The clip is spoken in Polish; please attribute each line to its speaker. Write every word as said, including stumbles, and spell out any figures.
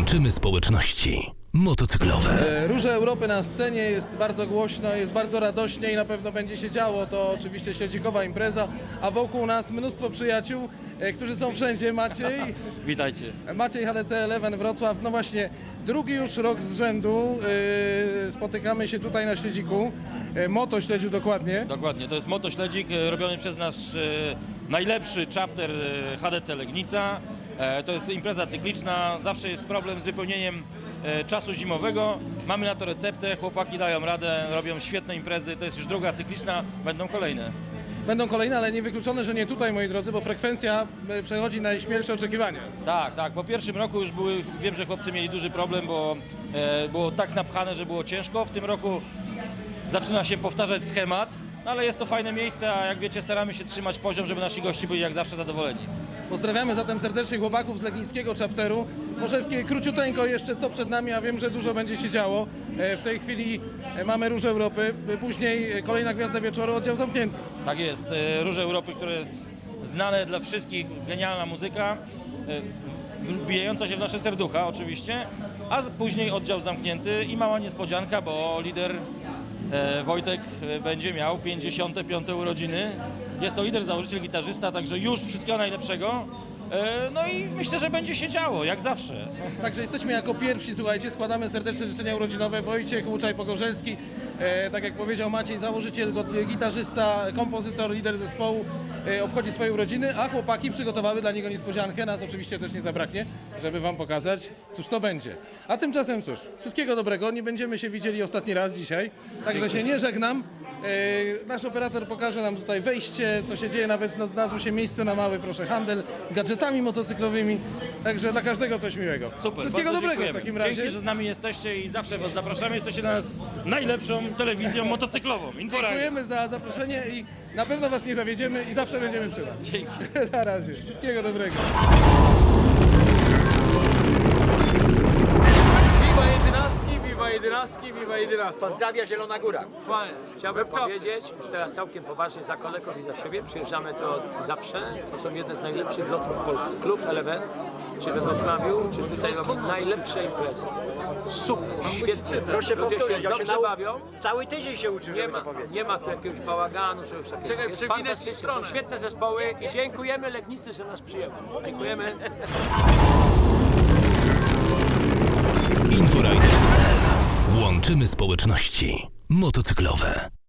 Speaker 1: Łączymy społeczności motocyklowe.
Speaker 2: E, Róże Europy na scenie, jest bardzo głośno, jest bardzo radośnie i na pewno będzie się działo. To oczywiście śledzikowa impreza, a wokół nas mnóstwo przyjaciół, e, którzy są wszędzie. Maciej,
Speaker 3: Witajcie.
Speaker 2: Maciej H D C Eleven Wrocław, no właśnie drugi już rok z rzędu e, spotykamy się tutaj na śledziku, e, Moto Śledziu dokładnie.
Speaker 3: Dokładnie, to jest motośledzik e, robiony przez nasz e, najlepszy chapter e, H D C Legnica. E, to jest impreza cykliczna, zawsze jest problem z wypełnieniem e, czasu zimowego. Mamy na to receptę, chłopaki dają radę, robią świetne imprezy, to jest już druga cykliczna, będą kolejne.
Speaker 2: Będą kolejne, ale niewykluczone, że nie tutaj, moi drodzy, bo frekwencja e, przechodzi najśmielsze oczekiwania.
Speaker 3: Tak, tak, po pierwszym roku już były, wiem, że chłopcy mieli duży problem, bo e, było tak napchane, że było ciężko. W tym roku zaczyna się powtarzać schemat, no ale jest to fajne miejsce, a jak wiecie, staramy się trzymać poziom, żeby nasi gości byli jak zawsze zadowoleni.
Speaker 2: Pozdrawiamy zatem serdecznie chłopaków z legnickiego chapteru. Może w króciuteńko jeszcze co przed nami, a wiem, że dużo będzie się działo. E, W tej chwili e, mamy Róż Europy, e, później e, kolejna gwiazda wieczoru, oddział zamknięty.
Speaker 3: Tak jest, e, Róże Europy, które jest znane dla wszystkich, genialna muzyka, e, wbijająca się w nasze serducha oczywiście, a z- później oddział zamknięty i mała niespodzianka, bo lider e, Wojtek e, będzie miał pięćdziesiąte piąte urodziny. Jest to lider, założyciel, gitarzysta, także już wszystkiego najlepszego. E, No i myślę, że będzie się działo, jak zawsze.
Speaker 2: Także jesteśmy jako pierwsi, słuchajcie, składamy serdeczne życzenia urodzinowe. Wojciech Łuczaj-Pogorzelski, e, tak jak powiedział Maciej, założyciel, go- gitarzysta, kompozytor, lider zespołu, e, obchodzi swoje urodziny, a chłopaki przygotowały dla niego niespodziankę. Nas oczywiście też nie zabraknie, żeby wam pokazać, cóż to będzie. A tymczasem cóż, wszystkiego dobrego, nie będziemy się widzieli ostatni raz dzisiaj, także się nie żegnam. E, Nasz operator pokaże nam tutaj wejście, co się dzieje, nawet no, znalazło się miejsce na mały, proszę, handel gadżetami motocyklowymi, także dla każdego coś miłego.
Speaker 3: Super,
Speaker 2: Wszystkiego
Speaker 3: bardzo
Speaker 2: dobrego w
Speaker 3: dziękujemy.
Speaker 2: takim razie.
Speaker 3: Dzięki, że z nami jesteście i zawsze was zapraszamy. Jesteście dla nas najlepszą telewizją motocyklową. Inforadio.
Speaker 2: Dziękujemy za zaproszenie i na pewno was nie zawiedziemy i zawsze będziemy przy was.
Speaker 3: Dzięki.
Speaker 2: Na razie. Wszystkiego dobrego.
Speaker 4: Wiwa jedenastki, wiwa jedenastki, wiwa jedenastki.
Speaker 5: Pozdrawia Zielona Góra.
Speaker 4: Panie, chciałbym powiedzieć, już teraz całkiem poważnie za kolegów i za siebie, przyjeżdżamy to od zawsze, to są jedne z najlepszych lotów w Polsce. Klub Eleven, czy we Wrocławiu, czy tutaj robią najlepsze imprezy. Super, świetnie.
Speaker 5: Proszę
Speaker 4: Ludzie
Speaker 5: powtórzyć,
Speaker 4: się
Speaker 5: ja się
Speaker 4: dobrze
Speaker 5: nau...
Speaker 4: bawią.
Speaker 5: cały tydzień się uczy,
Speaker 4: Nie
Speaker 5: żeby
Speaker 4: ma,
Speaker 5: to powiedzieć.
Speaker 4: nie ma tu jakiegoś bałaganu, że już takie.
Speaker 6: Czekaj,
Speaker 4: jest
Speaker 6: przewinę ci
Speaker 4: fantastycznie,
Speaker 6: stronę.
Speaker 4: są świetne zespoły i dziękujemy Legnicy, że nas przyjęły. Dziękujemy.
Speaker 1: Inforiders kropka p l. Łączymy społeczności motocyklowe.